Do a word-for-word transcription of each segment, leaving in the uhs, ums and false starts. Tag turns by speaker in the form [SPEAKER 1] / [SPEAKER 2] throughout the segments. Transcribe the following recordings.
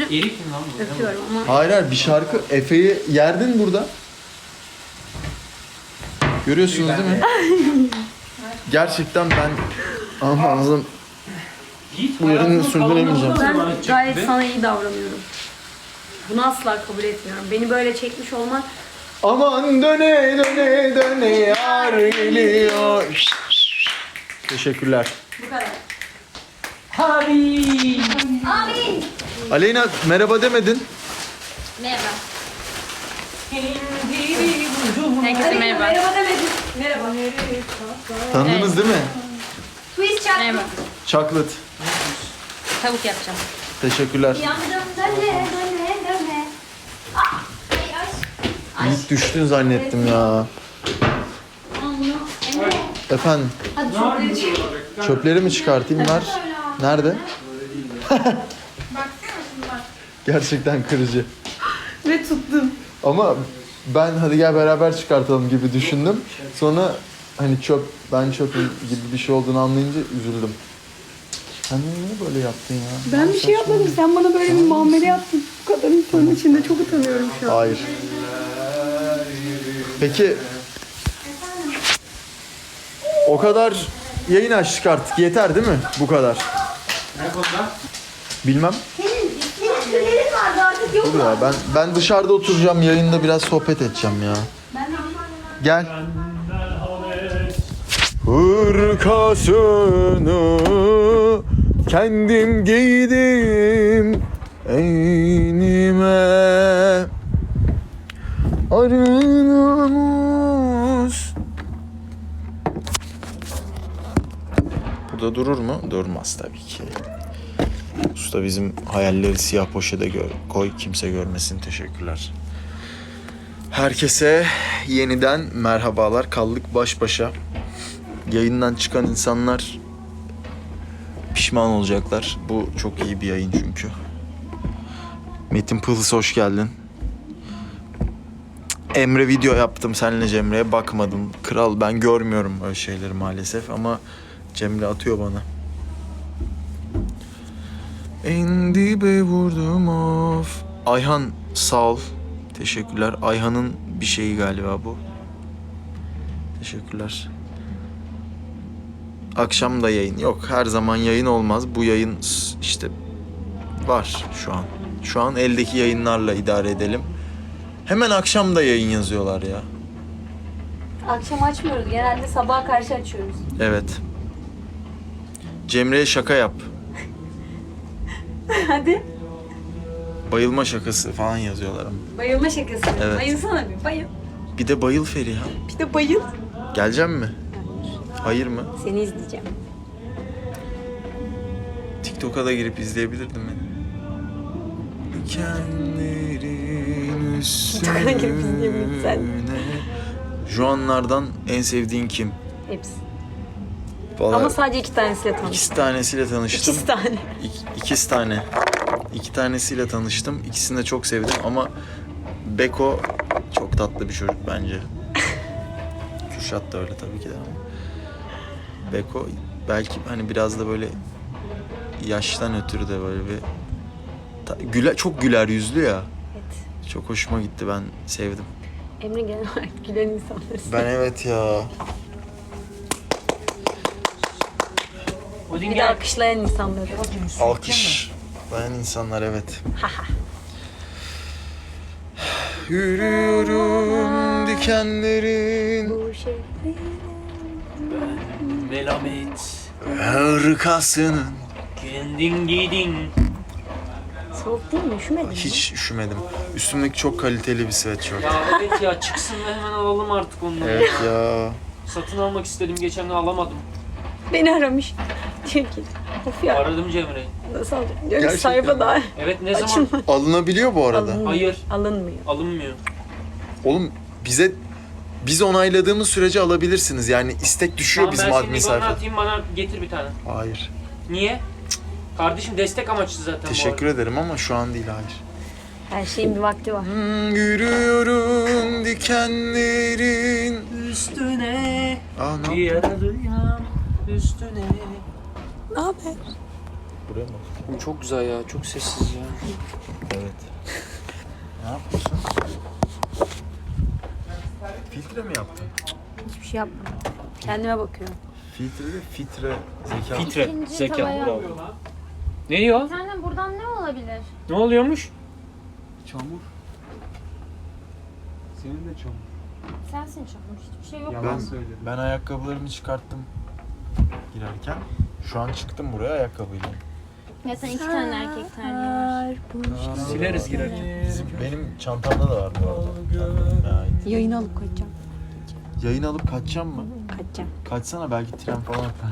[SPEAKER 1] Erik mi lan bu?
[SPEAKER 2] Öpüyorum ama.
[SPEAKER 3] Hayır hayır bir şarkı. Efe'yi yerdin burada. Görüyorsunuz değil mi? Gerçekten ben ama anladım. Bu yerini sürdüremeyeceğim.
[SPEAKER 2] Ben gayet sana iyi davranıyorum. Bunu asla kabul etmiyorum. Beni böyle çekmiş olman...
[SPEAKER 3] Aman döne döne döne yar geliyor. Teşekkürler.
[SPEAKER 2] Bu kadar.
[SPEAKER 1] Abi.
[SPEAKER 2] Abi.
[SPEAKER 3] Aleyna merhaba demedin.
[SPEAKER 2] Merhaba. Herkese merhaba. Merhaba demedim. Merhaba.
[SPEAKER 3] Tanıdınız değil mi?
[SPEAKER 2] Twist çak. Merhaba.
[SPEAKER 3] Chocolate.
[SPEAKER 2] Tavuk yapacağım.
[SPEAKER 3] Teşekkürler.
[SPEAKER 2] Yandım döne döne döne. Ah. Ay, ay.
[SPEAKER 3] İlk düştün zannettim ya.
[SPEAKER 2] Emre.
[SPEAKER 3] Efendim
[SPEAKER 2] Hadi çöpleri çık.
[SPEAKER 3] çöpleri mi çıkartayım ver. Nerede?
[SPEAKER 2] Baksana şimdi bak.
[SPEAKER 3] Gerçekten kırıcı.
[SPEAKER 2] Ve tuttum.
[SPEAKER 3] Ama ben hadi gel beraber çıkartalım gibi düşündüm. Sonra hani çöp ben çöpüm gibi bir şey olduğunu anlayınca üzüldüm. Sen niye böyle yaptın ya?
[SPEAKER 2] Ben bir şey yapmadım. Sen bana böyle bir muamele yaptın. Bu kadar insanın içinde çok utanıyorum şu an.
[SPEAKER 3] Hayır. Peki o kadar yayın açtık artık yeter değil mi? Bu kadar.
[SPEAKER 1] Ne konuda?
[SPEAKER 3] Bilmem.
[SPEAKER 2] Senin, senin tüylerin vardı artık yok
[SPEAKER 3] Dur ya ben ben dışarıda oturacağım yayında biraz sohbet edeceğim ya. Gel. Hırkasını kendim giydim eynime arı namus. Burada durur mu? Durmaz tabii ki. Usta bizim hayalleri siyah poşete gör, koy kimse görmesin. Teşekkürler. Herkese yeniden merhabalar. Kaldık baş başa. Yayından çıkan insanlar pişman olacaklar. Bu çok iyi bir yayın çünkü. Metin Pıhlıs hoş geldin. Emre video yaptım seninle Cemre'ye bakmadım. Kral ben görmüyorum öyle şeyleri maalesef ama Cemre atıyor bana. En dibe vurdum of. Ayhan sağ ol. Teşekkürler. Ayhan'ın bir şeyi galiba bu. Teşekkürler. Akşam da yayın. Yok her zaman yayın olmaz. Bu yayın işte var şu an. Şu an eldeki yayınlarla idare edelim. Hemen akşam da yayın yazıyorlar ya.
[SPEAKER 2] Akşam açmıyoruz. Genelde sabaha karşı açıyoruz.
[SPEAKER 3] Evet. Cemre'ye şaka yap.
[SPEAKER 2] Hadi.
[SPEAKER 3] Bayılma şakası falan yazıyorlar ama.
[SPEAKER 2] Bayılma şakası.
[SPEAKER 3] Evet.
[SPEAKER 2] Bayılsana bir bayıl.
[SPEAKER 3] Bir de bayıl Feriha.
[SPEAKER 2] Bir de bayıl.
[SPEAKER 3] Gelecek mi? Hayır mı?
[SPEAKER 2] Seni izleyeceğim.
[SPEAKER 3] TikTok'a da girip izleyebilirdim beni. Dikenlerin
[SPEAKER 2] TikTok'a girip izleyebilirim sen.
[SPEAKER 3] Juanlardan en sevdiğin kim?
[SPEAKER 2] Hepsi.
[SPEAKER 3] Vallahi
[SPEAKER 2] Ama sadece iki tanesiyle tanıştım.
[SPEAKER 3] ikisi tanesiyle tanıştım.
[SPEAKER 2] İkisi tane.
[SPEAKER 3] İk, ikisi tane. İki tanesiyle tanıştım. İkisini de çok sevdim ama Beko çok tatlı bir çocuk bence. Kürşat da öyle tabii ki de ama. Beko belki hani biraz da böyle yaştan ötürü de böyle bir ta, güler, çok güler yüzlü ya.
[SPEAKER 2] Evet.
[SPEAKER 3] Çok hoşuma gitti, ben sevdim.
[SPEAKER 2] Emre genel olarak gülen insanları
[SPEAKER 3] Ben evet ya.
[SPEAKER 2] Bir de alkışlayan insanları.
[SPEAKER 3] Alkış. Bayan insanlar evet. Yürüyorum dikenlerin
[SPEAKER 2] Bu şey.
[SPEAKER 1] Melamet.
[SPEAKER 3] hırkasının.
[SPEAKER 1] Kendin giydin.
[SPEAKER 2] Soğuk değil mi? Üşümedin mi?
[SPEAKER 3] Hiç üşümedim. Üstümdeki çok kaliteli bir sweatshirt.
[SPEAKER 1] Ya evet ya çıksın ve hemen alalım artık onları.
[SPEAKER 3] Evet ya.
[SPEAKER 1] Satın almak istedim geçen gün alamadım.
[SPEAKER 2] Beni aramış. Diyor ki. Of ya.
[SPEAKER 1] Aradım Cemre'yi.
[SPEAKER 2] Nasıl alacağım? Diyor ki
[SPEAKER 3] Gerçekten
[SPEAKER 2] sayfa
[SPEAKER 3] mi?
[SPEAKER 2] daha
[SPEAKER 1] Evet ne zaman
[SPEAKER 2] açılmadı.
[SPEAKER 3] Alınabiliyor bu arada.
[SPEAKER 2] Alınmıyor.
[SPEAKER 1] Hayır.
[SPEAKER 2] Alınmıyor.
[SPEAKER 1] alınmıyor.
[SPEAKER 3] Oğlum bize biz onayladığımız sürece alabilirsiniz. Yani istek düşüyor
[SPEAKER 1] Tamam,
[SPEAKER 3] bizim
[SPEAKER 1] ben
[SPEAKER 3] admin
[SPEAKER 1] şimdi bana
[SPEAKER 3] sayfa.
[SPEAKER 1] atayım bana getir bir tane.
[SPEAKER 3] Hayır.
[SPEAKER 1] Niye? Kardeşim destek amaçlı zaten
[SPEAKER 3] Teşekkür ederim ama şu an değil, hayır.
[SPEAKER 2] Her şeyin bir vakti var.
[SPEAKER 3] Hmm, yürüyorum dikenlerin
[SPEAKER 1] Üstüne
[SPEAKER 3] Aa, ne
[SPEAKER 1] bir yaralıyam üstüne.
[SPEAKER 2] Ne haber?
[SPEAKER 3] Buraya mı?
[SPEAKER 1] Bu çok güzel ya. Çok sessiz ya.
[SPEAKER 3] Evet. Ne yapıyorsun? Filtre mi yaptın?
[SPEAKER 2] Hiçbir şey yapmadım. Kendime bakıyorum.
[SPEAKER 3] Filtre de fitre zeka.
[SPEAKER 1] Fitre.
[SPEAKER 4] İkinci
[SPEAKER 1] Zeka.
[SPEAKER 4] tavaya.
[SPEAKER 1] Bravo. Ne diyor?
[SPEAKER 4] Senden buradan ne olabilir?
[SPEAKER 1] Ne oluyormuş?
[SPEAKER 5] Çamur. Senin de çamur.
[SPEAKER 4] Sensin çamur. Hiçbir şey yok.
[SPEAKER 5] Yalan
[SPEAKER 3] Ben-
[SPEAKER 5] söyledim.
[SPEAKER 3] Ben ayakkabılarımı çıkarttım girerken. Şu an çıktım buraya ayakkabıyla.
[SPEAKER 4] Ya sen iki tane erkek terliği var.
[SPEAKER 1] Sileriz girerken.
[SPEAKER 3] Bizim, benim çantamda da var bu arada. Kendime ait.
[SPEAKER 2] Yayın alıp kaçacağım.
[SPEAKER 3] Yayın alıp kaçacağım mı?
[SPEAKER 2] Kaçacağım.
[SPEAKER 3] Kaçsana belki tren falan yapar.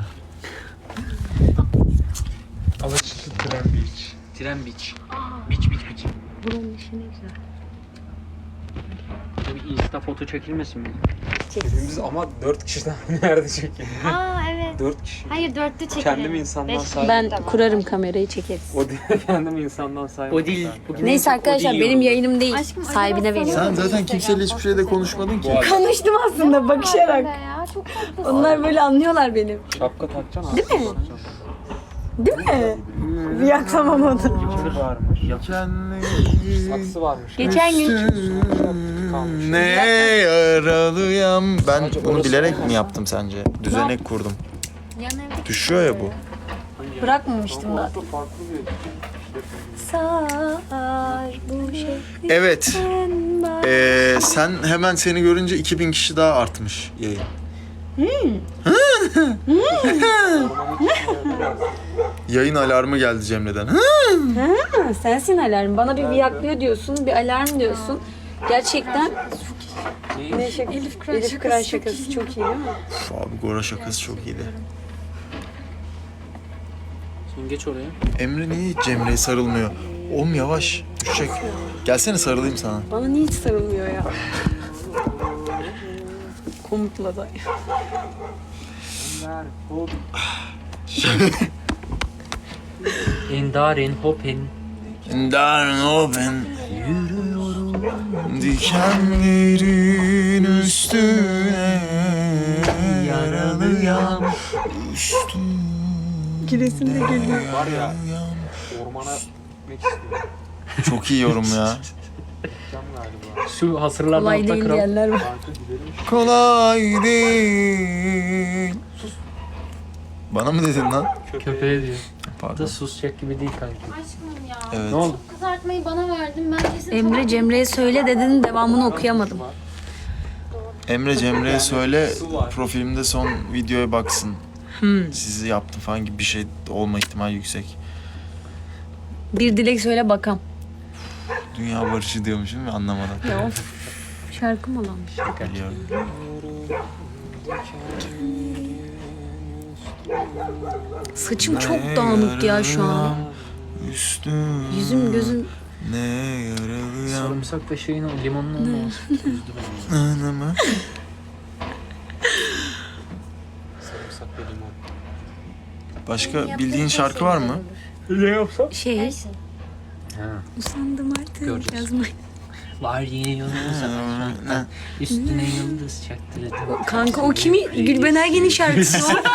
[SPEAKER 5] Alaçatı Tren Beach.
[SPEAKER 1] Tren beach. Beach beach beach.
[SPEAKER 2] Buranın işi ne güzel.
[SPEAKER 1] Bir insta foto çekilmesin mi?
[SPEAKER 5] Hepimiz ama dört kişiden nerede çekelim?
[SPEAKER 4] Aa evet.
[SPEAKER 5] Dört kişi.
[SPEAKER 4] Hayır dörtlü çekelim.
[SPEAKER 5] Kendimi insandan
[SPEAKER 4] Beş
[SPEAKER 5] saydım.
[SPEAKER 2] Ben
[SPEAKER 4] tamam.
[SPEAKER 2] kurarım kamerayı çekeriz.
[SPEAKER 5] O değil, kendimi insandan saydım.
[SPEAKER 1] O değil. Bugün
[SPEAKER 2] Neyse arkadaşlar
[SPEAKER 1] o değil
[SPEAKER 2] benim
[SPEAKER 1] yorumda.
[SPEAKER 2] yayınım değil.
[SPEAKER 4] Aşkım,
[SPEAKER 2] Sahibine
[SPEAKER 4] acaba
[SPEAKER 2] veriyorum.
[SPEAKER 3] Sen zaten kimseyle hiçbir şeyde konuşmadın ki.
[SPEAKER 2] Konuştum aslında bakışarak.
[SPEAKER 4] Ya, çok tatlısın.
[SPEAKER 2] Onlar böyle anlıyorlar benim.
[SPEAKER 5] Şapka takacaksın.
[SPEAKER 2] Değil mi? Değil mi? Bir yaklamamadım.
[SPEAKER 5] Yıkırı varmış.
[SPEAKER 3] Kendi
[SPEAKER 5] Saksı varmış.
[SPEAKER 2] Geçen gün
[SPEAKER 5] Kalmış.
[SPEAKER 3] ne yaralıyam. Ben
[SPEAKER 5] Sadece
[SPEAKER 3] bunu
[SPEAKER 5] orası
[SPEAKER 3] bilerek
[SPEAKER 5] olmaz.
[SPEAKER 3] mi yaptım sence? Düzenek kurdum.
[SPEAKER 4] Yan evde
[SPEAKER 3] Düşüyor ya bu.
[SPEAKER 2] bırakmamıştım da.
[SPEAKER 5] Orada farklı bir
[SPEAKER 2] Sar bu şey.
[SPEAKER 3] Evet. Ee, sen hemen seni görünce iki bin kişi daha artmış yayın. Yayın alarmı geldi Cemre'den.
[SPEAKER 2] Ha, sensin alarm. Bana bir viyaklıyor diyorsun, bir alarm diyorsun. Gerçekten ne şaka? Elif Kıran, Elif Kıran şakası çok iyi değil mi?
[SPEAKER 3] Uf, abi Gora şakası çok iyiydi.
[SPEAKER 1] Sen geç oraya.
[SPEAKER 3] Emre niye hiç Cemre'ye sarılmıyor? Oğlum yavaş düşecek. Gelsene sarılayım sana.
[SPEAKER 2] Bana niye hiç sarılmıyor ya? Komutla da.
[SPEAKER 1] Endarin hopen.
[SPEAKER 3] Darn open. Yürüyorum dikenlerin üstüne. Yaralıyam. Üstüne.
[SPEAKER 2] Giresim de geliyor.
[SPEAKER 5] Var ya ormana gitmek istiyorum.
[SPEAKER 3] Çok iyi yorum ya.
[SPEAKER 5] Gideceğim galiba.
[SPEAKER 1] Şu hasırlardan
[SPEAKER 2] Kolay
[SPEAKER 1] altta
[SPEAKER 2] değil
[SPEAKER 1] kral.
[SPEAKER 2] diyenler var.
[SPEAKER 5] Kanka gidelim.
[SPEAKER 3] Kolay değil. Bana mı dedin lan?
[SPEAKER 1] Köpeğe diyor. Bu da
[SPEAKER 3] Pardon.
[SPEAKER 1] susacak gibi değil kanki.
[SPEAKER 4] Aşkım ya.
[SPEAKER 3] Evet.
[SPEAKER 1] Ne oldu?
[SPEAKER 4] Kızartmayı bana verdin. Ben kesin
[SPEAKER 2] Emre Cemre'ye söyle dedin, devamını okuyamadım.
[SPEAKER 3] Emre Cemre'ye söyle profilimde son videoya baksın. Sizi yaptım falan gibi bir şey olma ihtimali yüksek.
[SPEAKER 2] Bir dilek söyle bakam.
[SPEAKER 3] Dünya barışı diyormuşum ya anlamadan.
[SPEAKER 2] Ya of. Şarkı mı lan?
[SPEAKER 3] Biliyorum.
[SPEAKER 2] Saçım çok dağınık ya şu an.
[SPEAKER 3] Üstüm.
[SPEAKER 2] Yüzüm gözüm.
[SPEAKER 3] Ne yaralıyam.
[SPEAKER 1] Sarımsak da şeyin o limonun olmaması. Üzdü beni.
[SPEAKER 3] Anamı.
[SPEAKER 5] Sarımsak ve limon.
[SPEAKER 3] Başka bildiğin şarkı var mı?
[SPEAKER 1] Ne yapsam?
[SPEAKER 2] Şey,
[SPEAKER 4] Her şey.
[SPEAKER 1] Ha.
[SPEAKER 2] usandım artık
[SPEAKER 1] Göreceğiz.
[SPEAKER 2] yazmayı.
[SPEAKER 1] Var yine yıldız
[SPEAKER 3] Ne?
[SPEAKER 1] üstüne yıldız çaktırdım.
[SPEAKER 2] Kanka o kimi? Gülben Ergen'in şarkısı o.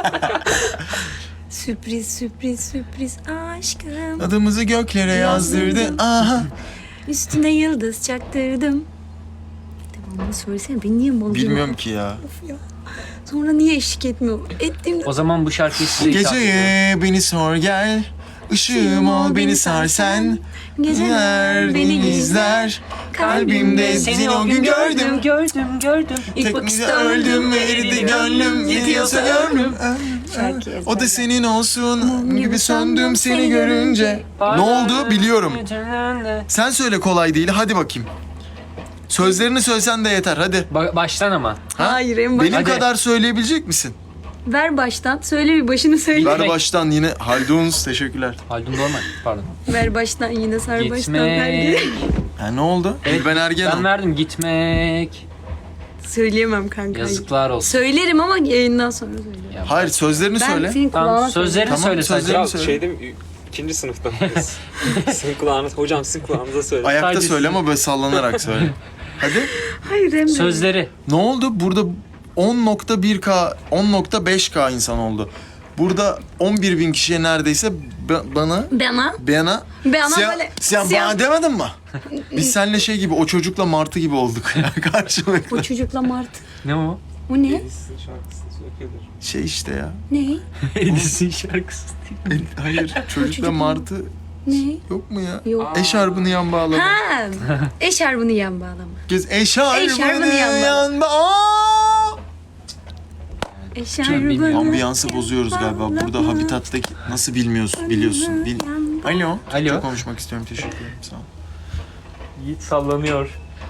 [SPEAKER 2] Sürpriz sürpriz sürpriz aşkım.
[SPEAKER 3] Adımızı göklere yazdırdı. Aha.
[SPEAKER 2] Üstüne yıldız çaktırdım. Devamını söylesene, beni niye mal
[SPEAKER 3] Bilmiyorum ki ya.
[SPEAKER 2] Of ya. Sonra niye eşlik etmiyor? Ettiğimde
[SPEAKER 1] O zaman bu şarkıyı size ithaf ediyorum.
[SPEAKER 3] Geceye beni sor gel. Işığım ol beni sar sen. Geceler beni izler. Kalbimde seni o gün gördüm.
[SPEAKER 1] gördüm, gördüm. İlk
[SPEAKER 3] Tek
[SPEAKER 1] bakışta
[SPEAKER 3] öldüm ve eridi gönlüm. Gidiyorsa gönlüm.
[SPEAKER 2] Şarkı
[SPEAKER 3] O da senin olsun gibi söndüm seni görünce. Ne oldu biliyorum. Sen söyle kolay değil hadi bakayım. Sözlerini söylesen de yeter hadi.
[SPEAKER 1] Ba- baştan ama.
[SPEAKER 3] Ha?
[SPEAKER 2] Hayır, en baş...
[SPEAKER 3] Benim
[SPEAKER 1] Hadi.
[SPEAKER 3] kadar söyleyebilecek misin?
[SPEAKER 2] Ver baştan. Söyle bir başını söyle.
[SPEAKER 3] Ver baştan yine Halduns teşekkürler.
[SPEAKER 1] Haldun Dorman pardon.
[SPEAKER 2] Ver baştan yine sar baştan ver geri.
[SPEAKER 1] Gitmek.
[SPEAKER 3] Ha ne oldu?
[SPEAKER 1] Evet,
[SPEAKER 3] Gülben Ergen
[SPEAKER 1] Ben
[SPEAKER 3] o.
[SPEAKER 1] verdim gitmek.
[SPEAKER 2] Söyleyemem kanka.
[SPEAKER 1] Yazıklar olsun.
[SPEAKER 2] Söylerim ama yayından sonra söyleyeyim.
[SPEAKER 1] Ya,
[SPEAKER 3] Hayır sözlerini
[SPEAKER 2] Ben
[SPEAKER 3] söyle.
[SPEAKER 2] senin kulağına
[SPEAKER 1] Tamam sözlerini
[SPEAKER 3] Tamam,
[SPEAKER 1] söyle
[SPEAKER 3] sözlerini
[SPEAKER 1] sadece.
[SPEAKER 5] Ya
[SPEAKER 3] söyle.
[SPEAKER 5] şeyde mi? İkinci sınıfta mıyız? Sizin kulağınız, hocam sizin kulağınıza söyle.
[SPEAKER 3] Ayakta
[SPEAKER 1] Sadece
[SPEAKER 3] söyle
[SPEAKER 1] sizin-
[SPEAKER 3] ama böyle sallanarak söyle. Hadi.
[SPEAKER 2] Hayır Emre.
[SPEAKER 1] Sözleri.
[SPEAKER 3] Ne oldu? Burada on nokta bir K, on nokta beş K insan oldu. Burada on bir bin kişiye neredeyse ba- bana
[SPEAKER 2] Bana.
[SPEAKER 3] Bana
[SPEAKER 2] Bana
[SPEAKER 3] sen,
[SPEAKER 2] böyle-
[SPEAKER 3] sen
[SPEAKER 2] sen-
[SPEAKER 3] bana demedin mi? Biz seninle şey gibi o çocukla martı gibi olduk ya karşılıklı.
[SPEAKER 2] O çocukla Martı.
[SPEAKER 1] Ne o?
[SPEAKER 2] O ne?
[SPEAKER 5] Edis'in şarkısını söylüyordur.
[SPEAKER 3] Şey işte ya.
[SPEAKER 2] Ne?
[SPEAKER 1] Edis'in şarkısı değil.
[SPEAKER 3] E, hayır çocukla
[SPEAKER 2] çocuk mu?
[SPEAKER 3] martı
[SPEAKER 2] Ne?
[SPEAKER 3] yok mu ya?
[SPEAKER 2] Yok.
[SPEAKER 3] Eşarbını yan bağlama.
[SPEAKER 2] Ha, eşarbını yan bağlama.
[SPEAKER 3] Kız eşarbını
[SPEAKER 2] Eşarbını yan
[SPEAKER 3] yan bağlama.
[SPEAKER 2] Eşarbını
[SPEAKER 3] Ambiyansı bozuyoruz galiba. Burada Habitat'taki nasıl bilmiyorsun biliyorsun. Bil... Alo.
[SPEAKER 1] Alo.
[SPEAKER 3] Çok konuşmak istiyorum. Teşekkür ederim. Sağ ol.
[SPEAKER 1] Yiğit sallanıyor.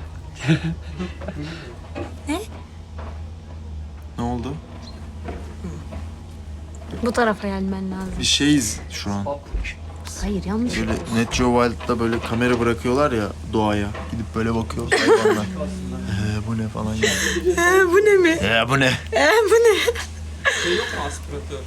[SPEAKER 3] Ne oldu?
[SPEAKER 2] Bu tarafa gelmen lazım.
[SPEAKER 3] Bir şeyiz şu an.
[SPEAKER 2] Hayır yanlış.
[SPEAKER 3] Böyle Net Geo Wild'da böyle kamera bırakıyorlar ya doğaya. Gidip böyle bakıyoruz hayvanlar. Ee, bu ne falan ya.
[SPEAKER 2] Ee, bu ne mi?
[SPEAKER 3] Ee, bu ne?
[SPEAKER 2] Ee, bu ne?
[SPEAKER 5] Şey yok mu aspiratör?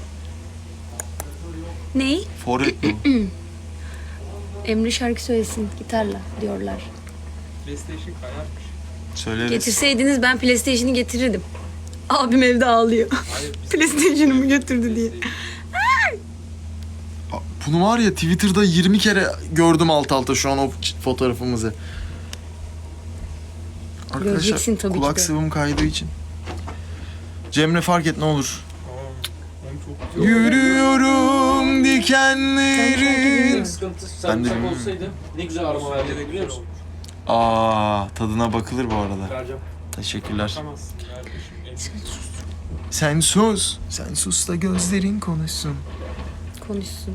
[SPEAKER 2] Ney?
[SPEAKER 3] Forvet bu.
[SPEAKER 2] Emre şarkı söylesin gitarla diyorlar.
[SPEAKER 5] PlayStation kayarmış.
[SPEAKER 3] Söyleriz.
[SPEAKER 2] Getirseydiniz ben PlayStation'ı getirirdim. Abim evde ağlıyor.
[SPEAKER 5] Hayır biz
[SPEAKER 2] PlayStation'ımı götürdü diye.
[SPEAKER 3] Bunu var ya Twitter'da yirmi kere gördüm alt alta şu an o fotoğrafımızı.
[SPEAKER 2] Göreceksin tabii ki
[SPEAKER 3] kulak
[SPEAKER 2] de.
[SPEAKER 3] sıvım kaydığı için. Cemre fark et ne olur.
[SPEAKER 5] hem çok güzel.
[SPEAKER 3] Yürüyorum dikenlerin.
[SPEAKER 1] Sıkıntı
[SPEAKER 3] Ben de
[SPEAKER 1] sarımsak
[SPEAKER 3] bilmiyorum.
[SPEAKER 1] olsaydı ne güzel aroma verdi biliyor musun?
[SPEAKER 3] Aa tadına bakılır bu arada.
[SPEAKER 5] Vereceğim.
[SPEAKER 3] Teşekkürler.
[SPEAKER 5] Tamamsın. Kardeşim.
[SPEAKER 3] Sen sus. Sen sus da gözlerin konuşsun.
[SPEAKER 2] Konuşsun.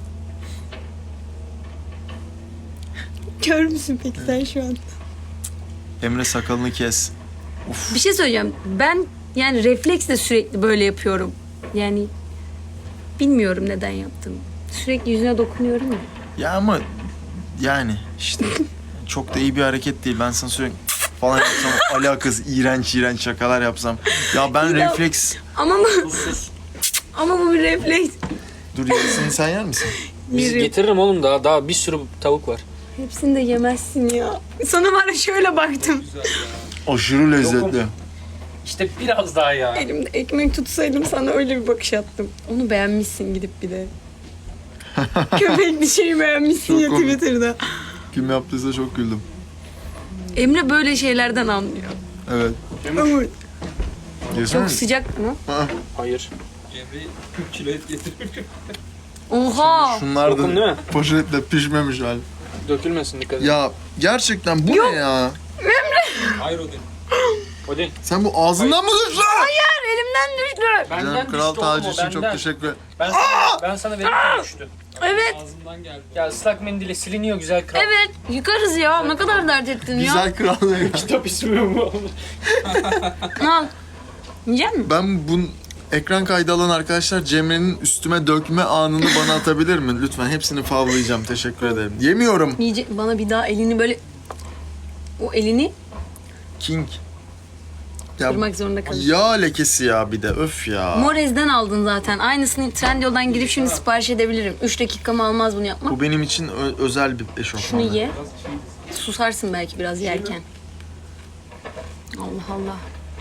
[SPEAKER 2] Kör müsün peki sen şu an?
[SPEAKER 3] Emre sakalını kes.
[SPEAKER 2] Bir şey söyleyeceğim. Ben yani refleksle sürekli böyle yapıyorum. Yani bilmiyorum neden yaptım. Sürekli yüzüne dokunuyorum ya.
[SPEAKER 3] Ya ama yani işte çok da iyi bir hareket değil. Ben sana sürekli falan yapsam alakası iğrenç iğrenç şakalar yapsam. Ya ben
[SPEAKER 2] Ya-
[SPEAKER 3] refleks...
[SPEAKER 2] Ama bu, ama bu bir refleks.
[SPEAKER 3] Dur yarısını sen yer misin?
[SPEAKER 1] Biz
[SPEAKER 2] Yerim.
[SPEAKER 1] getiririm oğlum daha daha bir sürü tavuk var.
[SPEAKER 2] Hepsini de yemezsin ya. Sana var ya şöyle baktım.
[SPEAKER 3] Aşırı lezzetli.
[SPEAKER 1] Yokum. İşte biraz daha ya.
[SPEAKER 2] Elimde ekmek tutsaydım sana öyle bir bakış attım. Onu beğenmişsin gidip bir de. Köpek bir şeyi beğenmişsin
[SPEAKER 3] Çok
[SPEAKER 2] ya
[SPEAKER 3] komik.
[SPEAKER 2] Twitter'da.
[SPEAKER 3] Kim yaptıysa çok güldüm.
[SPEAKER 2] Emre böyle şeylerden anlıyor.
[SPEAKER 3] Evet.
[SPEAKER 2] Ama
[SPEAKER 3] Yesene.
[SPEAKER 2] çok sıcak mı?
[SPEAKER 5] Hayır. Emre kırk kilo et getirir.
[SPEAKER 2] Oha!
[SPEAKER 3] Şunlar
[SPEAKER 1] Yokum değil
[SPEAKER 3] da
[SPEAKER 1] mi?
[SPEAKER 3] poşetle pişmemiş hal.
[SPEAKER 1] Dökülmesin dikkat et.
[SPEAKER 3] Ya gerçekten bu ne ya?
[SPEAKER 5] Hayır o değil.
[SPEAKER 1] O değil.
[SPEAKER 3] Sen bu ağzından mı düştün?
[SPEAKER 2] Hayır elimden düştü.
[SPEAKER 1] Benden
[SPEAKER 3] Canım Kral
[SPEAKER 1] düştü oğlum
[SPEAKER 3] tacı
[SPEAKER 1] o
[SPEAKER 3] için çok
[SPEAKER 1] benden.
[SPEAKER 3] teşekkür ederim.
[SPEAKER 1] Ben sana, ben sana verirken düştü.
[SPEAKER 2] Evet.
[SPEAKER 5] Ağzımdan geldi.
[SPEAKER 1] Ya ıslak mendille siliniyor güzel kral.
[SPEAKER 2] Evet. Yıkarız ya. Ne kadar dert ettin ya.
[SPEAKER 3] Güzel kral ne?
[SPEAKER 1] Kitap ismi bu.
[SPEAKER 2] Al. Yiyecek misin?
[SPEAKER 3] Ben bu ekran kaydı alan arkadaşlar Cemre'nin üstüme dökme anını bana atabilir mi? Lütfen hepsini favlayacağım. Teşekkür ederim. Yemiyorum.
[SPEAKER 2] Yiyecek. Bana bir daha elini böyle... O elini
[SPEAKER 3] King. Ya,
[SPEAKER 2] kırmak zorunda kalır.
[SPEAKER 3] yağ lekesi ya bir de öf ya.
[SPEAKER 2] Morez'den aldın zaten. Aynısını Trendyol'dan girip şimdi sipariş edebilirim. üç dakikamı almaz bunu yapmak.
[SPEAKER 3] Bu benim için ö- özel bir eşofman.
[SPEAKER 2] Şunu ye. Susarsın belki biraz yerken. Allah Allah.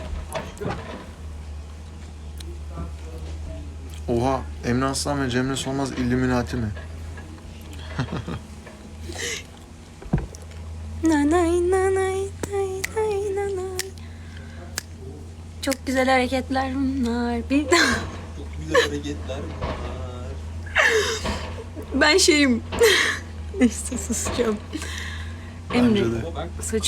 [SPEAKER 3] Oha, Emre Aslan ve Cemre Solmaz Illuminati mi?
[SPEAKER 2] Nanay nanay nay nay nanay. Çok güzel hareketler bunlar. Bir
[SPEAKER 5] Çok güzel hareketler bunlar.
[SPEAKER 2] ben şeyim. Neyse susacağım.
[SPEAKER 3] Bence
[SPEAKER 2] Emre
[SPEAKER 3] de.
[SPEAKER 5] Ama ben
[SPEAKER 2] saçı